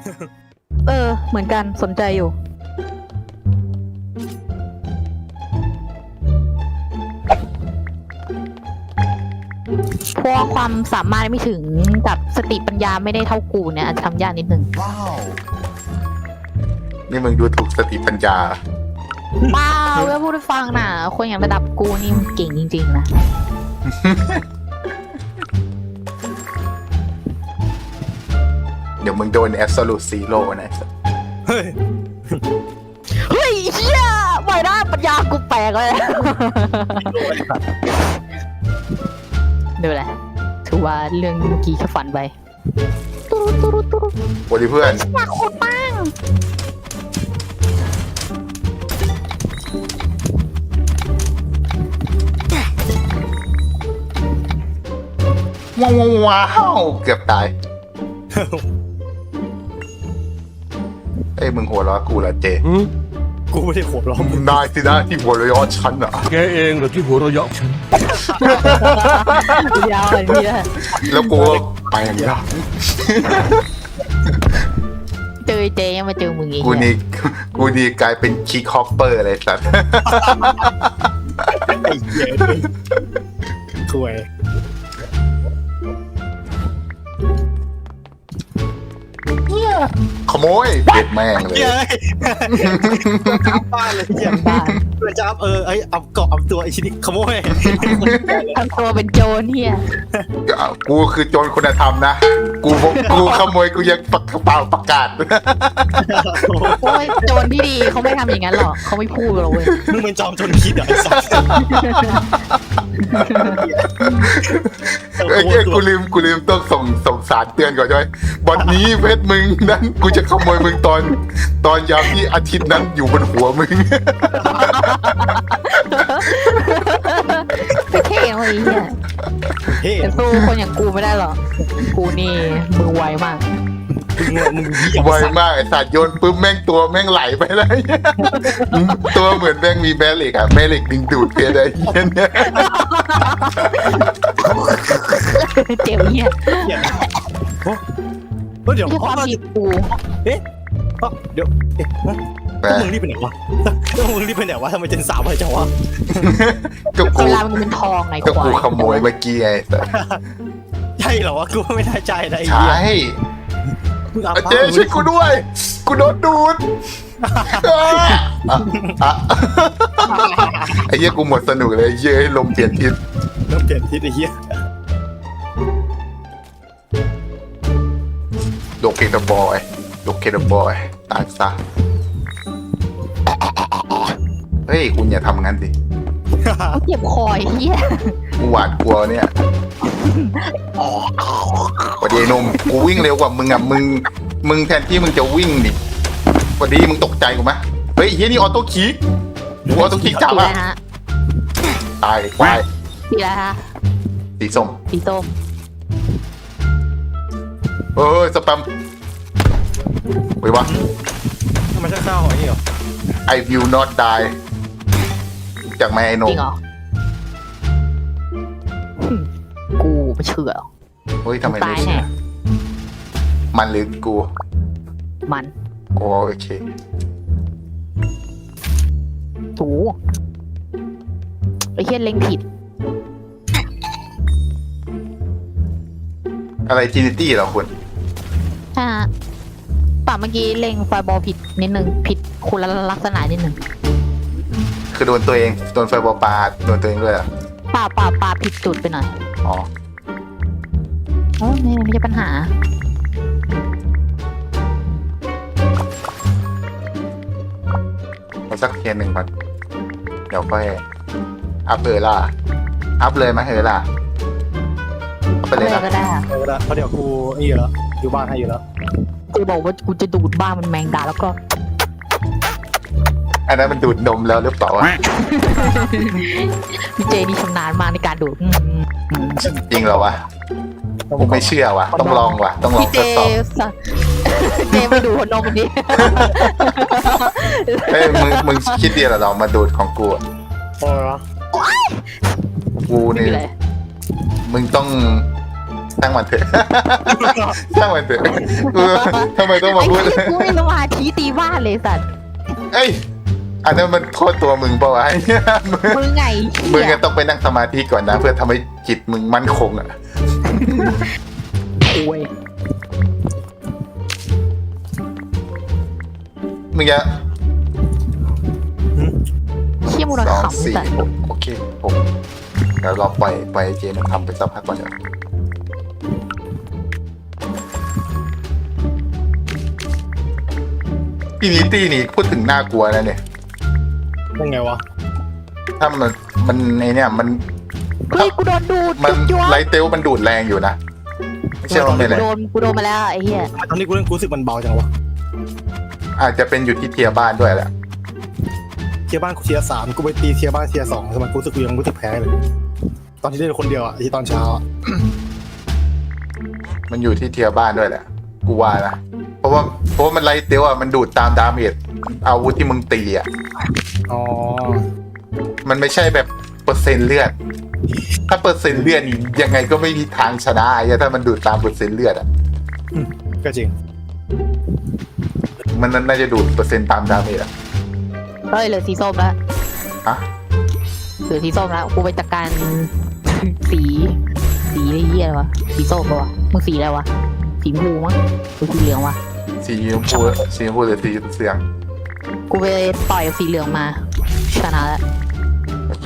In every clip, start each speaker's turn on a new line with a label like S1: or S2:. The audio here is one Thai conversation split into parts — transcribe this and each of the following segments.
S1: เหมือนกันสนใจอยู่เพราะความสามารถไม่ถึงกับสติปัญญาไม่ได้เท่ากูเนี่ยอาจจะทำยากนิดนึง
S2: ว้าว นี่มึงดูถูกสติปัญญา
S1: เปล่าเพื่อพูดให้ฟังนะคนอย่างระดับกูนี่มันเก่งจริงๆนะ
S2: เดี๋ยวมึงโดน absolute zero นะ
S3: เฮ้ย
S1: เฮ้ยเฮียไม่ได้ปัญญากูแปลกเลยดูแหละถือว่าเรื่องเมื่อกี้แค่ฝันไปตุ๊รุตุ๊รุตุ๊รุ
S2: โอ้ดิเพื่อน
S1: อยากขุดบ้าง
S2: ว้าวเกือบตาย เอ้ยมึงหัวเราะกูเหรอเจ
S3: กูไม่ได้หัวเราะมึง
S2: นายสินะที่หัวเราะฉันอ่ะ
S4: แกเองเหรอที่หัวเราะเยาะฉัน
S1: ยาวเลยพี่
S2: แล้วกูก็ไปอย่างนี้
S1: เจอเจยังมาเจอมึงอีก
S2: กูนี่กลายเป็นคิกฮอปเปอร์เลยสัตว์
S3: ไอ้เหี้ยถวย
S2: ขโมยเด็ดแม่งเลย
S3: เหี้ยจับบ้านเลยเหี้ย
S1: บ้าน
S3: เพื่อนจับไอ้เอาเกาะเอาตัวไอ้ชิ้นนี้ขโมย
S1: ทำตัวเป็นโจรเฮีย
S2: กูคือโจรคุณธรรมนะ กูขโมยกูยังเปล่าประกาศ
S1: โอ้ยโจรที่ดีเขาไม่ทำอย่างนั้นหรอกเขาไม่พูดหรอกเว้ย
S3: มึงเป็นจอมชนคิดเหรอไอ้สัส
S2: เอ้ยกูลืมต้องส่งสารเตือนก่อนใช่ไหมวันนี้เพชรมึงนั้นกูจะขโมยมึงตอนยามที่อาทิตย์นั้นอยู่บนหัวมึง
S1: ไม่เท่เลยเฮีย
S3: เฮ้ย
S1: แต่สู้คนอย่างกูไม่ได้หรอกกูนี่มือไวมาก
S3: มึงเหี้ย
S2: ไวมากไอ้สัตว์โยนปุ๊บแม่งตัวแม่งไหลไปเลย ตัวเหมือนแม่งมีแม่เหล็กอะแม่เหล็กดึงดูดเพชรไอ้เหี้ยเนี่ย
S1: เจ็บเฮีย
S3: เหี้ยโอ้เดี๋ยว
S1: ที่ความผิดกู
S3: เดี๋ยวพวกมึงรีบไปไหนวะพวกมึงรีบไปไหนวะทำไมเจนสามไปจังวะ
S2: ก็กู
S1: เวลามันเป็นทองไง
S2: ก็
S1: ควา
S2: กู
S1: ย
S2: ขโมยเมื่อกี้ไงสัตว์
S3: ใช่เหรอวะกูไม่ได้ใจนะไอ้
S2: ใช่
S3: เหี้ยมึงเอา
S2: เจ๊ช่วยกูด้วย กูโดนดูดไอ้เหี้ยกูหมดสนุกเลยเย้ยลมเปลี่ยนทิศ
S3: ต้องเปลี่ยนทิศไอ้เหี้ย
S2: โลเคเตอร์บอยตายซะเฮ้ยคุณอย่าทำงั้นดิ
S1: เขาเจ็บคอยเฮีย
S2: กูหวาดกลัวเนี่ยวันดีหนุ่มกูวิ่งเร็วกว่ามึงอ่ะมึงแทนที่มึงจะวิ่งดิวันดีมึงตกใจกูไหมเฮ้ยเฮียนี่ออโต้คิกกูออโต้คิกจับ
S1: สีอะไร
S2: อ่ะ
S1: ฮะ
S2: ตายควาย
S1: สีอะไรฮะ
S2: สีส้ม
S1: สีส้ม
S2: สแปมเฮ้ยวะ
S3: ทำไมเศร้าๆอย่างนี้เหรอ
S2: I will not die จากแม่ไอ้ห
S1: จ
S2: นุ่ม
S1: ริงเหรอกูไม่เชื่อหรอก
S2: เฮ้ยทำไม
S1: ตา
S2: ไม่
S1: ยแน่
S2: เชื่อมันหรือกู
S1: มัน
S2: โอเค
S1: ถูไอ้เฮียเล็งผิด
S2: อะไรทินิตี้เหรอคุณ
S1: ฮะป่าเมื่อกี้เล็งไฟบอลผิดนิดนึงผิดคุณลักษณะนิดนึง
S2: คือโดนตัวเองโดนไฟบอลปาโดนตัวเองด้วยเหรอ
S1: ป่าผิดจุดไปหน่อย
S2: อ๋อ
S1: โอ้ไม่ใช่ปัญหา
S2: เอาสักเทียนหนึ่งก่อนเดี๋ยวค่อยอัพเลยล่ะอัพเลยไหมล่ะอัพไปเลย
S1: อะไร
S2: นะ
S1: ก็ได้อะ
S3: เพราะเดี๋ยวกูนี่อยู่แล้วอยู่บ้านให้อยู่แล้ว
S1: กูบอกว่ากูจะดูดบ้านมันแมงดาแล้วก็
S2: อันนั้นมันดูดนมแล้วหรือเปล่าวะ
S1: พี่เจนี่ชำนาญมากในการดูด
S2: จริงเหรอวะผมไม่เชื่อวะต้องลองวะต้องลอง
S1: พี่
S2: ท
S1: เจ
S2: ดสอบ
S1: เจมาดูดหัวนมมันดิ
S2: เฮ้ยมึงคิดดีเหรอเรามาดูดของกูอะ
S3: พอแล้ว
S2: กู
S1: ไม่
S2: นี่
S1: มีอะไร
S2: มึงต้องช่างมันเถอะ ช่างมันเถอะทำไมต้องมา
S1: ไอ้
S2: พูด
S1: ที่กูไม่สมาธิตีบ้านเลยสัตว์
S2: เอ้ยอันนั้นมันโทษตัวมึงเปล่าวะ
S1: มึงไง
S2: มึง
S1: เหี้ย
S2: ก็ต้องไปนั่งสมาธิก่อนนะ เพื่อทำให้จิตมึงมั่นคงอ่ะ
S1: โอ้ย
S2: มึงจะ
S1: เชี่ยมูล
S2: สอง
S1: ขำ
S2: สี่
S1: สัตว์
S2: หกโอเคผมเดี๋ยวเราปล่อยเจมันทำไปสักพักก่อนเถอะทีนี้ตีนี่พูดถึงน่ากลัวนะเนี่ย
S3: เป็นไงวะ
S2: ถ้ามันในเนี่ยมัน
S1: เฮ้ยกูโดนดูด
S2: มัน
S1: จุ๊บ
S2: ไลท์เตลมันดูดแรงอยู่นะไม่ใช่ว่าไม่แรง
S1: กูโดนมาแล้วไอ้เหี้ย
S3: ตอนนี้กูเล่นกูรู้สึกมันเบาจังวะ
S2: อาจจะเป็นอยู่ที่เทียร์บ้านด้วยแหละ
S3: เทียร์บ้านกูเทียร์สามกูไปตีเทียร์บ้านเทียร์สองทำไมกูรู้สึกกูยังรู้สึกแพ้เลย ตอนที่เล่นคนเดียวอะที่ตอนเช้าอะ
S2: มันอยู่ที่เทียร์บ้านด้วยแหละ กูว่านะ เพราะว่ามันไลท์เตลอ่ะมันดูดตามดาเมจอาวุธที่มึงตีอ่ะ
S3: อ๋อ
S2: มันไม่ใช่แบบเปอร์เซ็นต์เลือด ถ้าเปอร์เซ็นต์เลือดนี่ยังไงก็ไม่มีทางชนะไอ้ถ้ามันดูดตามเปอร์เซ็นต์เลือดอ่ะ
S3: ก็จริง
S2: มันน่าจะดูดเปอร์เซ็นต์ตามดาเมจอ่ะ
S1: เฮ้ยเหลือสีส้มแล้ว
S2: ฮะ
S1: เหลือสีส้มแล้วกูไปจัดการ สีไอ้เหี้ยอะไรวะสีส้มปะวะมึงสีอะไรวะสีชมพูมั้งหรือสีเหลืองวะ
S2: สีชมพูหรือสีเสียง
S1: กูไปต่อยสีเหลืองมาชนะแล้ว
S2: โอเค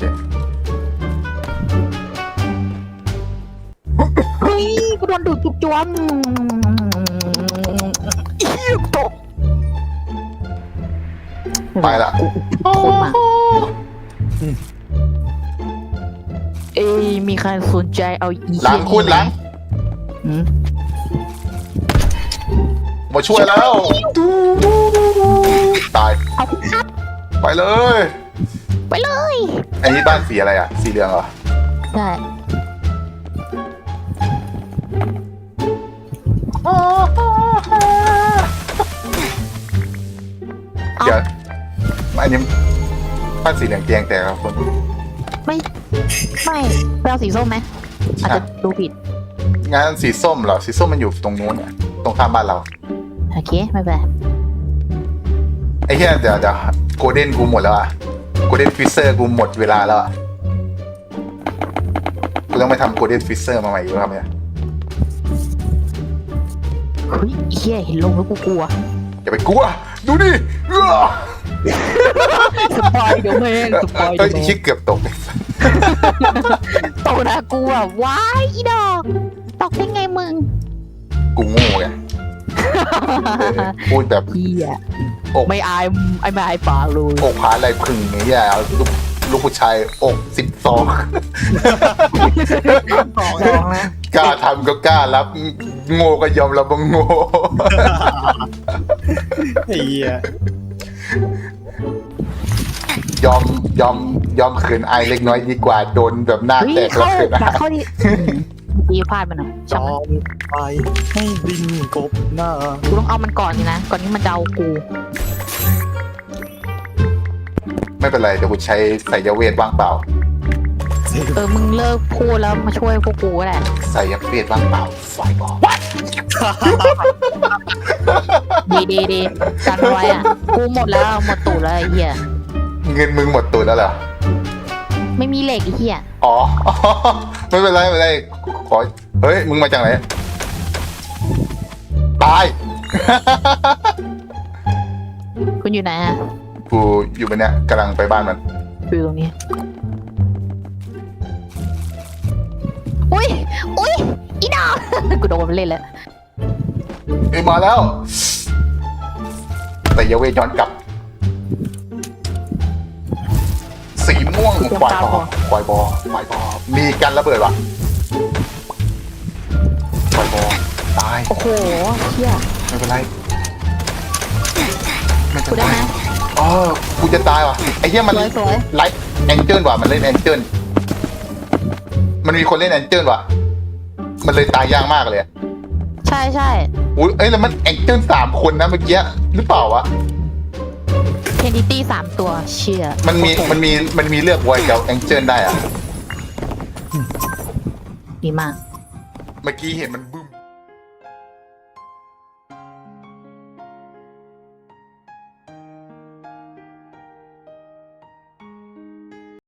S1: เฮ้ยกูโดนดูดจุกจวมอีตก
S2: ไปละ
S1: คนมาเอ้ยมีใครสนใจเอาอี
S2: หลังคุณหลัง
S1: อืม
S2: มาช่วยแล้ว ตาย
S1: เอาครับ
S2: ไปเลย
S1: ไปเลย
S2: อันนี้บ้านสีอะไรอ่ะ สีเหลืองเหรอ
S1: ได้
S2: เดี๋ยวอันนี้บ้านสีเหลืองเตียงแต่ครับคุณ
S1: ไม่ไปเอาสีส้มไหมอาจจะดูผิด
S2: งานสีส้มเหรอ สีส้มมันอยู่ตรงนู้นเนี่ยตรงข้ามบ้านเรา
S1: โอเคไม่เป็นไร
S2: ไอ้เหี้ยเดี๋ยวโกลเด้นกูหมดแล้วอ่ะโกลเด้นฟิเซอร์กูหมดเวลาแล้วอ่ะกูต้องไปทำโกลเด้นฟิเซอร์มาใหม่อีกแล้วครับเนี่ย
S1: เฮ้ยเฮียเห็นลงแล้วกูกลัว
S2: อย่าไปกลัว ดูดิเอ้อ
S1: สปอยเดี๋ยวแม่งสปอย
S2: เอ้
S1: เดี๋
S2: ย
S1: ยวแม่
S2: ชิ
S1: ง
S2: เกือบตก
S1: ตกนะกูอ่ะว้ายอีดอกตกได้ไงมึง
S2: กูโง่ไงพูดแบบ
S1: เฮีย
S2: อก
S1: ไม่อายไม่อายปากเลย
S2: อกผาอะไรพึ่งไงเหี้ยเอาลูกผู้ชายอก12
S1: สองนะ
S2: กล้าทำก็กล้ารับ โง่ก็ยอมรับว่าโง่
S3: ไอ้เหี้ย
S2: ยอมขืนอายเล็กน้อยดีกว่าโดนแบบหน้า
S1: เฮ้ย
S2: แตกแล้ว
S1: เข้า
S2: ขืน
S1: แบบ
S2: อาย
S1: เข้าที่ดีพลาดมันหน่อย
S3: จ
S1: ช่าง
S3: อ
S1: มัน
S3: มไปให้ดินกบหน้า
S1: กูต้องเอามันก่อนนี่นะก่อนที่มันจะเอากู
S2: ไม่เป็นไรเดี๋ยวกูใช้สายเวทว่างเปล่า
S1: มึงเลิกพูดแล้วมาช่วยพวกกูก็ได้
S2: สายเวทว่างเปล่าไฟบอล
S1: ดีกันไว้อ่ะกูหมดแล้วหมดตูดแล้วไอ้เหี้ย
S2: เงินมึงหมดตัวแล้วเหรอ
S1: ไม่มีเหล็กไอ้เหี้ย
S2: อ๋อ ไม่เป็นไรไม่เป็นไรขอเฮ้ยมึงมาจากไหนตาย
S1: คุณอยู่ไหนอ่ะ
S2: กูอยู่บนเนี้ยกำลังไปบ้านมัน
S1: อยู่ตรงนี้อุ้ยอีดอก กูโดนมันเล่นแล้ว
S2: เอ้ยมาแล้วสายเวทย้อนกลับ สีม่วงควายบอมีกันระเบิดวะควายบอตาย
S1: โอ้โหเหี้ย
S2: ไม่เป็นไรไม่
S1: กู
S2: เป็น
S1: ได้
S2: ไร
S1: ไหม
S2: อ๋อกูจะตายว่ะไอ้เหี้ยมัน
S1: สวย
S2: ไลท์แองเจิลว่ะมันเล่นแองเจิลมันมีคนเล่นแองเจิลว่ะมันเลยตายยากมากเลยอะ
S1: ใช่
S2: อุ้ยเอ้ยแล้วมันแองเจิล3 คนนะเมื่อกี้หรือเปล่าวะ
S1: เทนดิตี้3 ตัวเชี่ย
S2: มันมีเลือกไวกับแองเจิลได้อะ
S1: ดีมาก
S2: เมื่อกี้เห็นมันบึ้ม